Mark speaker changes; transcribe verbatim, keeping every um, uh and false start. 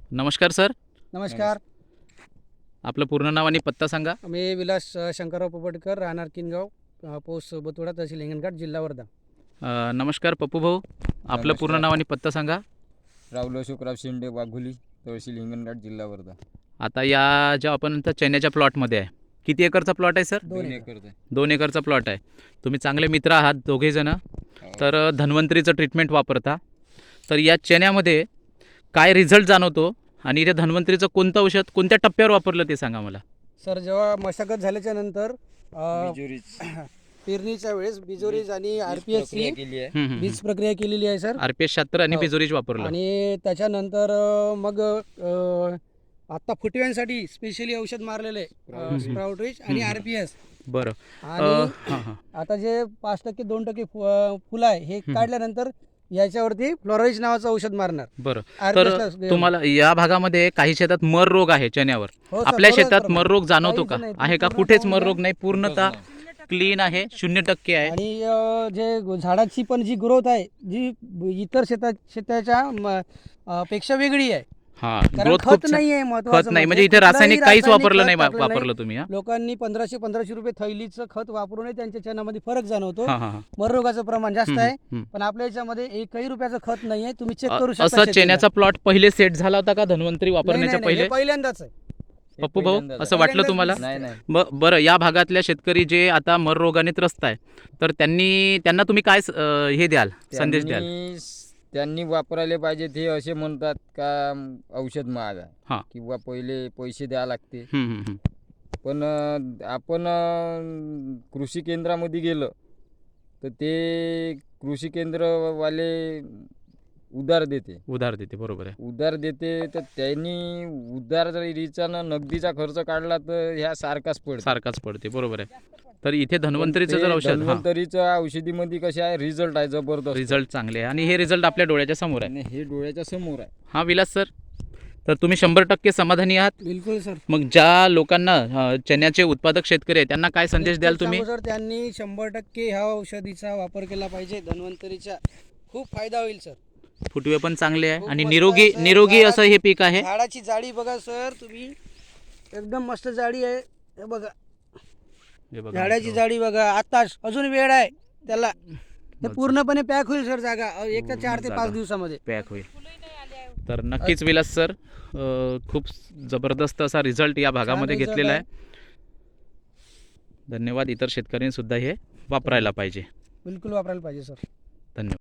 Speaker 1: नमस्कार सर.
Speaker 2: नमस्कार.
Speaker 1: आपलं पूर्ण नाव आणि पत्ता सांगा.
Speaker 2: मी विलास अ, शंकरराव पोपटकर, राहणार किनगाव, अ, पोस्ट बोतुडा, तहसील हिंगणघाट, जिल्हा वर्धा.
Speaker 1: अ, नमस्कार पप्पू भाऊ, आपलं पूर्ण
Speaker 3: नमस्कार.
Speaker 1: नाव आणि पत्ता सांगा.
Speaker 3: राहुल अशोकराव शेंडे, वाघोली, तहसील हिंगणघाट, जिल्हा वर्धा.
Speaker 1: आता या ज्या आपण आता चण्याच्या प्लॉटमध्ये आहे, किती एकरचा प्लॉट आहे सर?
Speaker 2: दोन
Speaker 3: दोन
Speaker 2: एकर.
Speaker 3: एकर आहे.
Speaker 1: दोन एकरचा प्लॉट आहे. तुम्ही चांगले मित्र आहात दोघेजणं,
Speaker 3: हो.
Speaker 1: तर अ, धन्वंतरीचं ट्रीटमेंट वापरता. तर या चण्यामध्ये काय रिझल्ट जाणवतो आणि इथे धन्वंतरीचं कोणतं औषध कोणत्या टप्प्यावर वापरलं ते सांगा मला.
Speaker 2: सर, जेव्हा मशागत झाल्याच्या नंतर अ,
Speaker 3: बिजोरीच
Speaker 2: पेरणीच्या वेळेस बिजोरीज आणि आर पी एस
Speaker 3: प्रक्रिया केली आहे.
Speaker 1: हम्म, हम्म,
Speaker 2: बीज प्रक्रिया केलेली आहे सर.
Speaker 1: आर पी एस शहात्तर आणि
Speaker 2: हो.
Speaker 1: बिजोरीज वापरलं.
Speaker 2: आणि त्याच्यानंतर अ, मग अ, आता फुटव्यांसाठी स्पेशली औषध मारलेलं आहे,
Speaker 3: Sprout.
Speaker 2: स्प्राउट रिच आणि
Speaker 1: हम्म.
Speaker 2: R P S.
Speaker 1: बरं. अ,
Speaker 2: आणि
Speaker 1: हां हां
Speaker 2: आता जे पाच टक्के दोन टक्के फु- अ, फुलं आहे हे
Speaker 1: हम्म.
Speaker 2: काढल्यानंतर याच्यावरती फ्लोराईज नावाचं औषध मारणार.
Speaker 1: बरं.
Speaker 2: आर
Speaker 1: तर
Speaker 2: पी एस ला घेऊन.
Speaker 1: तुम्हाला या भागामध्ये काही शेतात मर रोग आहे चण्यावर.
Speaker 2: हो सर,
Speaker 1: आपल्या
Speaker 2: बरोबर
Speaker 1: शेतात
Speaker 2: प्रमाणे.
Speaker 1: मर रोग जाणवतो का?
Speaker 2: काहीच नाही,
Speaker 1: आहे का?
Speaker 2: पूर्ण
Speaker 1: कुठेच
Speaker 2: पाहून
Speaker 1: मर
Speaker 2: घ्या.
Speaker 1: रोग नाही, पूर्णतः क्लीन आहे, शून्य टक्के आहे.
Speaker 2: आणि अ, जे झाडाची पण जी ग्रोथ आहे जी ब- इतर शेता शेताच्या म, अ, पेक्षा वेगळी आहे.
Speaker 1: हा,
Speaker 2: कारण
Speaker 1: ग्रोथ खूप
Speaker 2: खत
Speaker 1: छान-
Speaker 2: नाही आहे महत्वाचं.
Speaker 1: खत नाही म्हणजे इथे रासायनिक काहीच वापरलं नाही वापरलं तुम्ही. हा
Speaker 2: लोकांनी पंधराशे पंधराशे रुपये थैलीचं खत वापरूनही त्यांच्या चण्यामध्ये फरक जाणवतो.
Speaker 1: हा हा.
Speaker 2: मर रोगाचं प्रमाण जास्त
Speaker 1: हम्म,
Speaker 2: आहे.
Speaker 1: हम्म.
Speaker 2: पण आपल्या याच्यामध्ये एकही रुपयाचं खत नाही आहे. तुम्ही चेक
Speaker 1: अ-
Speaker 2: करू शकता.
Speaker 1: असं
Speaker 2: शेतीला.
Speaker 1: चण्याचा प्लॉट पहिले सेट झाला होता का धन्वंतरी
Speaker 2: नाही,
Speaker 1: वापरण्याच्या
Speaker 2: नाही, नाही, हे
Speaker 1: पहिले?
Speaker 2: पहिल्यांदाच आहे.
Speaker 3: हे
Speaker 1: पप्पू भाऊ,
Speaker 3: पहिल्यांदाच
Speaker 1: असं
Speaker 3: आहे.
Speaker 1: वाटलं
Speaker 2: पहिल्यांदाच
Speaker 1: तुम्हाला?
Speaker 2: दिसतंय.
Speaker 3: नाही नाही
Speaker 1: ब- बरं, या भागातल्या शेतकरी जे आता मर रोगाने त्रस्त आहे, तर त्यांनी त्यांना तुम्ही काय स- अ, हे द्याल, संदेश द्याल?
Speaker 3: त्यांनी त्यांनी वापरायला पाहिजे. ते असे म्हणतात का म, औषध महाग
Speaker 1: हा.
Speaker 3: आहे किंवा पहिले पैसे द्यावे लागते.
Speaker 1: हम्म, हम्म, हम्म.
Speaker 3: पण अ, आपण अ, कृषी केंद्रामध्ये गेलं तर ते कृषी केंद्रवाले उधार देते
Speaker 1: उधार देते, बरोबर आहे.
Speaker 3: उधार देते तर त्यांनी उधार जर रिचानं नगदीचा खर्च काढला तर ह्या सारखाच पडतो.
Speaker 1: सारखाच पडते, बरोबर आहे. तर इथे धन्वंतरीचं जर औषध, हा,
Speaker 3: धन्वंतरीच्या औषधीमध्ये कसे आहे, रिझल्ट आहे जबरदस्त.
Speaker 1: रिझल्ट चांगले आहे आणि हे रिझल्ट आपल्या डोळ्याच्या समोर आहे.
Speaker 3: आणि हे डोळ्याच्या समोर आहे.
Speaker 1: हा विलास सर, तर तुम्ही शंभर टक्के समाधानी आहात.
Speaker 2: बिलकुल सर.
Speaker 1: मग ज्या लोकांना अ, चण्याचे उत्पादक शेतकरी आहेत त्यांना काय संदेश द्याल
Speaker 2: निश्चित
Speaker 1: तुम्ही?
Speaker 2: सांगू सर, त्यांनी शंभर टक्के ह्या औषधीचा वापर केला पाहिजे. धन्वंतरीचा खूप फायदा होईल सर.
Speaker 1: फुटवे पण चांगले आहे
Speaker 2: खूप
Speaker 1: आणि
Speaker 2: मस्त
Speaker 1: निरोगी
Speaker 2: आहे सर.
Speaker 1: निरोगी असं हे पीक आहे.
Speaker 2: झाडाची जाडी बघा सर तुम्ही, एकदम मस्त जाडी आहे. हे बघा
Speaker 1: हे बघा
Speaker 2: झाडाची
Speaker 1: मित्रांनो.
Speaker 2: जाडी बघा. आताच अजून वेळ आहे त्याला. हे
Speaker 1: बस.
Speaker 2: पूर्णपणे पॅक होईल सर जागा अ, एक ते
Speaker 1: पूर्ण
Speaker 2: चार ते
Speaker 1: जागा.
Speaker 2: पाच दिवसामध्ये.
Speaker 1: पॅक होईल. तर नक्कीच विलास सर, अ, खूप जबरदस्त असा रिझल्ट या भागामध्ये
Speaker 2: result
Speaker 1: घेतलेला आहे.
Speaker 2: आहे.
Speaker 1: धन्यवाद. इतर शेतकऱ्यांनी सुद्धा हे वापरायला पाहिजे.
Speaker 2: बिलकुल वापरायला पाहिजे सर.
Speaker 1: धन्यवाद.